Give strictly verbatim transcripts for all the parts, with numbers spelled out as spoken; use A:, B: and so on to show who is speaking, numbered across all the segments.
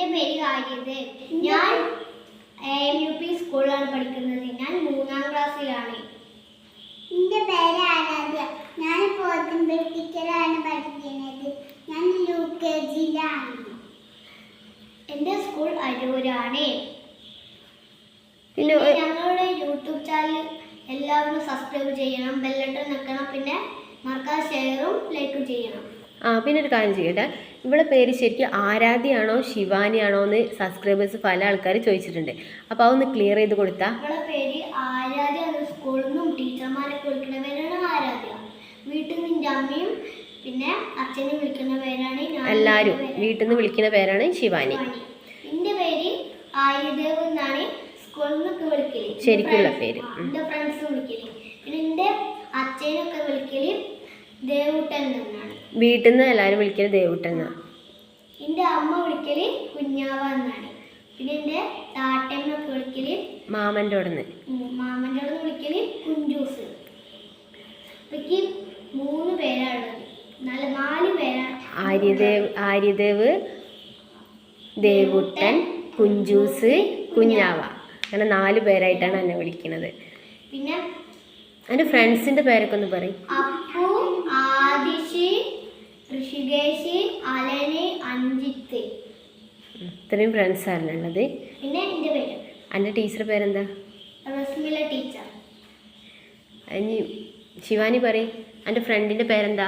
A: എൻ്റെ പേര് ആര്യദേവ്. ഞാൻ എം യു പി സ്കൂളിലാണ് പഠിക്കുന്നത്. ഞാൻ മൂന്നാം ക്ലാസ്സിലാണ്.
B: എൻ്റെ പേര് ആരാധ്യ. ഞാൻ പോത്തുമ്പൽ ടീച്ചറാണ് പഠിക്കുന്നത്. ഞാൻ യു കെ ജിയിലാണ്.
A: എൻ്റെ സ്കൂൾ അരൂരാണ്. പിന്നെ ഞങ്ങളുടെ യൂട്യൂബ് ചാനൽ എല്ലാവരും സബ്സ്ക്രൈബ് ചെയ്യണം, ബെല്ലൈക്കൺ ഞെക്കണം, പിന്നെ മറക്കാതെ ഷെയറും ലൈക്കും ചെയ്യണം.
C: ആ പിന്നെ ഒരു കാര്യം ചെയ്യട്ടെ, ഇവിടെ പേര് ശരിക്കും ആരാധ്യയാണോ ശിവാനിയാണോ എന്ന് സബ്സ്ക്രൈബേഴ്സ് പല ആൾക്കാർ ചോദിച്ചിട്ടുണ്ട്. അപ്പോൾ അതൊന്ന് ക്ലിയർ ചെയ്ത് കൊടുത്താൽ.
A: ഇവിടെ പേര് ആരാധ്യ. സ്കൂളിൽ നിന്നും ടീച്ചർമാരൊക്കെ വിളിക്കുന്ന പേരാണ് ആരാധ്യ. വീട്ടിൽ നിന്ന് എൻ്റെ അമ്മയും പിന്നെ അച്ഛനും വിളിക്കുന്ന പേരാണ്
C: എല്ലാവരും വീട്ടിൽ നിന്ന് വിളിക്കുന്ന പേരാണ് ശിവാനി.
A: എൻ്റെ പേര് ആര്യദേവ് എന്നാണ് സ്കൂളിൽ നിന്നൊക്കെ വിളിക്കല്,
C: ശരിക്കുള്ള പേര്.
A: എൻ്റെ ഫ്രണ്ട്സ് വിളിക്കല്. പിന്നെ എൻ്റെ അച്ഛനൊക്കെ വിളിക്കല് ദേവുട്ടൻ എന്നാണ്.
C: വീട്ടിൽ നിന്ന് എല്ലാവരും വിളിക്കല് ദേവുട്ടൻ എന്നാണ്.
A: എൻ്റെ അമ്മ വിളിക്കല് കുഞ്ഞാവ എന്നാണ്. പിന്നെ എൻ്റെ താട്ടമ്മൊക്കെ വിളിക്കല്
C: മാമൻ്റെ അവിടെ നിന്ന്
A: മാമൻ്റെ അവിടെ നിന്ന് വിളിക്കല് കുഞ്ചൂസ്. എനിക്ക് മൂന്ന് പേരാണുള്ളത്, നല്ല നാല് പേരാണ്.
C: ആര്യദേവ് ആര്യദേവ് ദേവുട്ടൻ, കുഞ്ചൂസ്, കുഞ്ഞാവ, അങ്ങനെ നാല് പേരായിട്ടാണ് എന്നെ വിളിക്കുന്നത്.
A: പിന്നെ
C: എൻ്റെ ഫ്രണ്ട്സിൻ്റെ പേരൊക്കെ ഒന്ന് പറയും.
A: അപ്പു, ആദിഷ്, ഋഷികേശ്, അലന്, അഞ്ജിത്ത്.
C: ഇത്രയും ഫ്രണ്ട്സാണ് ഉള്ളത്.
A: പിന്നെ എൻ്റെ പേര്
C: എൻ്റെ ടീച്ചറുടെ പേരെന്താ?
A: റസ്മില ടീച്ചർ.
C: ഇനി ശിവാനി പറയും, എൻ്റെ ഫ്രണ്ടിൻ്റെ പേരെന്താ?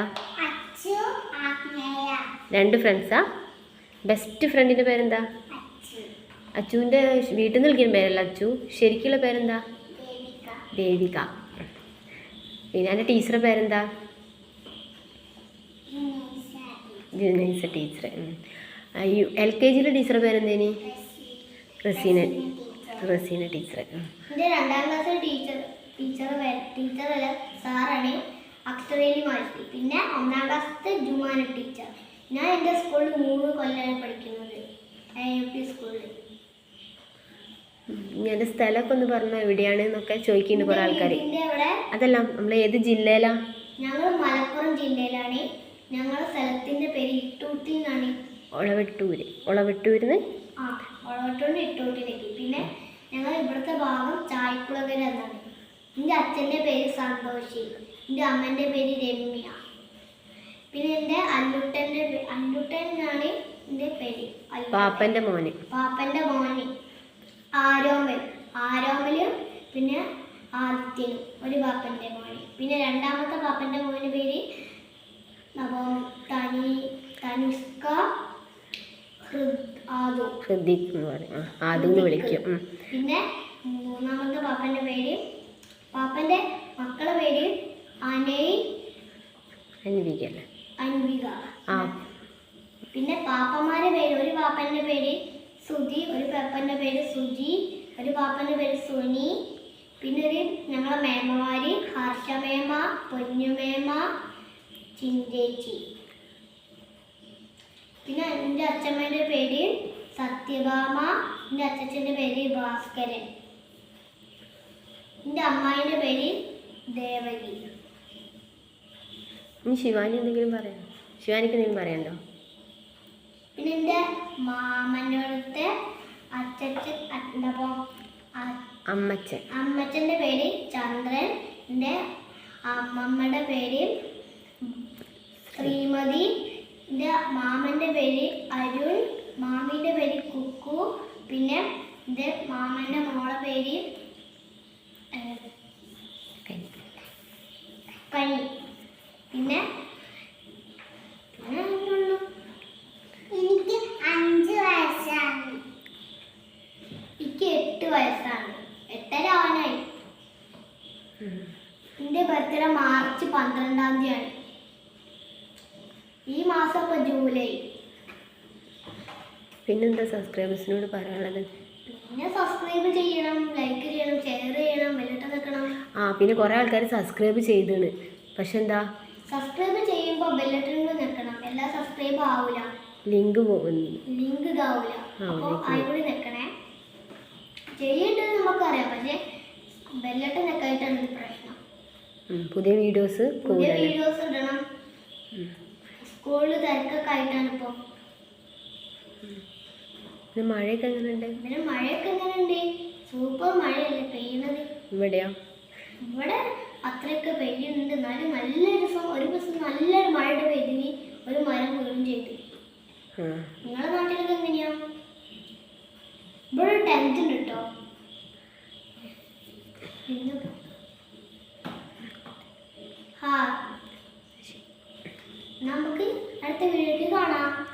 C: രണ്ട് ഫ്രണ്ട്സാ. ബെസ്റ്റ് ഫ്രണ്ടിൻ്റെ പേരെന്താ? അച്ചുവിൻ്റെ വീട്ടിൽ നിന്ന് വിളിക്കുന്ന പേരല്ല അച്ചു, ശരിക്കുള്ള പേരെന്താ? ദേവിക. പിന്നെ എൻ്റെ ടീച്ചറുടെ പേരെന്താ? ജുനൈസ ടീച്ചർ. എൽ കെ ജിയിലെ ടീച്ചറുടെ പേരെന്തേനി? റസീന റസീന ടീച്ചർ.
A: എൻ്റെ രണ്ടാം ക്ലാസ്സിലെ ടീച്ചർ ടീച്ചർ ടീച്ചറല്ല സാറാണ് അക്ഷരേലി മാറ്റി. പിന്നെ ഒന്നാം ക്ലാസ്സിലത്തെ ജുമാന ടീച്ചർ. ഞാൻ എൻ്റെ സ്കൂളിൽ മൂന്ന് കൊല്ലമാണ് പഠിക്കുന്നത്, യു പി സ്കൂളിൽ.
C: എൻ്റെ സ്ഥലമൊക്കെ ഒന്ന് പറഞ്ഞോ, എവിടെയാണ് എന്നൊക്കെ ചോദിക്കുന്നുണ്ട് കുറേ ആൾക്കാർ.
A: അവിടെ
C: അതല്ല, നമ്മൾ ഏത് ജില്ലയിലാണ്?
A: ഞങ്ങൾ മലപ്പുറം ജില്ലയിലാണ്. ഞങ്ങളുടെ സ്ഥലത്തിൻ്റെ പേര് ഇട്ടൂട്ടി എന്നാണ്.
C: ഒളവെട്ടൂര്. ഒളവെട്ടൂരിന്ന്
A: ആ ഒളവെട്ടൂരിന് ഇട്ടൂട്ടിലേക്ക്. പിന്നെ ഞങ്ങൾ ഇവിടുത്തെ ഭാഗം ചായക്കുളകര എന്നാണ്. എൻ്റെ അച്ഛൻ്റെ പേര് സന്തോഷി, എൻ്റെ അമ്മേൻ്റെ പേര് രമ്യ. പിന്നെ എൻ്റെ അല്ലുട്ടൻ്റെ അല്ലുട്ടൻ എന്നാണ് എൻ്റെ പേര്.
C: പാപ്പൻ്റെ മോന്.
A: പാപ്പൻ്റെ മോന് ആരോമൽ. ആരോമലും പിന്നെ ആദിത്യനും ഒരു പാപ്പൻ്റെ മോന്. പിന്നെ രണ്ടാമത്തെ പാപ്പൻ്റെ മോന് പേര് തനി തനിഷ്ക
C: ഹൃദിക് എന്ന് പറയും, ആദ്യം വിളിക്കും.
A: പിന്നെ മൂന്നാമത്തെ പാപ്പൻ്റെ പേര് പാപ്പൻ്റെ മക്കളെ പേര് അനയ്
C: അൻവിക അല്ലേ?
A: അൻവിക.
C: ആ
A: പിന്നെ പാപ്പന്മാരുടെ പേര്, ഒരു പാപ്പൻ്റെ പേര് സുധി, ഒരു പാപ്പൻ്റെ പേര് സുജി, ഒരു പാപ്പൻ്റെ പേര് സുനി. പിന്നെ ഒരു ഞങ്ങളെ മേമമാര് ഹർഷമേമ, പൊന്നുമേമ, ചിന്തേച്ചി. പിന്നെ എൻ്റെ അച്ഛമ്മേൻ്റെ പേര് സത്യഭാമ, എൻ്റെ അച്ഛൻ്റെ പേര് ഭാസ്കരൻ, എൻ്റെ അമ്മായിൻ്റെ പേര് ദേവകി.
C: ഇനി ശിവാനി എന്തെങ്കിലും പറയാം? ശിവാനിക്ക് എന്തെങ്കിലും പറയണ്ടോ?
A: പിന്നെ എൻ്റെ മാമൻ്റെ അടുത്തെ അച്ഛൻ എന്താ
C: അമ്മച്ചൻ.
A: അമ്മച്ചൻ്റെ പേര് ചന്ദ്രൻ, എൻ്റെ അമ്മമ്മയുടെ പേര് ശ്രീമതി, എൻ്റെ മാമൻ്റെ പേര് അരുൺ, മാമീൻ്റെ പേര് കുക്കു. പിന്നെ എൻ്റെ മാമൻ്റെ മോളെ പേര് കനി. പിന്നെ
B: എനിക്ക് അഞ്ച് വയസ്സാണ്.
A: എനിക്ക് എട്ട് വയസ്സാണ്. എട്ടര ആവാനായി. എൻ്റെ ബർത്ത്ഡേ മാർച്ച് പന്ത്രണ്ടാം തീയതിയാണ്. ഈ മാസം ഇപ്പോൾ ജൂലൈ.
C: പിന്നെന്താ സബ്സ്ക്രൈബേഴ്സിനോട് പറയാനുള്ളത്?
A: പിന്നെ സബ്സ്ക്രൈബ് ചെയ്യണം, ലൈക്ക് ചെയ്യണം, ഷെയർ ചെയ്യണം, ബെല്ലൈക്കൺ നിൽക്കണം.
C: ആ പിന്നെ കുറേ ആൾക്കാർ സബ്സ്ക്രൈബ് ചെയ്താണ്, പക്ഷെ എന്താ
A: സബ്സ്ക്രൈബ് ചെയ്യുമ്പോൾ ബെല്ലൈക്കൺ നിൽക്കണം. എല്ലാം സബ്സ്ക്രൈബ് ആവില്ല,
C: ലിങ്ക് പോകുന്നു,
A: ലിങ്ക് ഇതാവില്ല. അപ്പോൾ അതിലൂടെ നിൽക്കണേ. ചെയ്യേണ്ടത് നമുക്കറിയാം, പക്ഷേ ബെല്ലൈക്കൺ നിൽക്കായിട്ടാണ് ഇത് പ്രശ്നം.
C: പുതിയ വീഡിയോസ്
A: പുതിയ വീഡിയോസ് ഇടണം. സ്കൂളിൽ തിരക്കൊക്കെ ആയിട്ടാണ് ഇപ്പോൾ.
C: പിന്നെ മഴയൊക്കെ എങ്ങനെയുണ്ട്?
A: പിന്നെ മഴയൊക്കെ എങ്ങനെയുണ്ട്? സൂപ്പർ മഴയല്ലേ പെയ്യുന്നത്.
C: ഇവിടെയോ?
A: ഇവിടെ അത്രയൊക്കെ പെയ്യുന്നുണ്ട്. എന്നാലും നല്ലൊരു സ- ഒരു ദിവസം നല്ലൊരു മഴയുടെ പെയ്തിന് ഒരു മരം വീഴും ചെയ്തു.
C: ആ
A: നിങ്ങളുടെ നാട്ടിലൊക്കെ എങ്ങനെയാ? ഇവിടെ ഒരു ടെൻറ്റ് ഉണ്ട് കേട്ടോ. പിന്നെ ഹാ നമുക്ക് അടുത്ത വീഡിയോക്ക് കാണാം.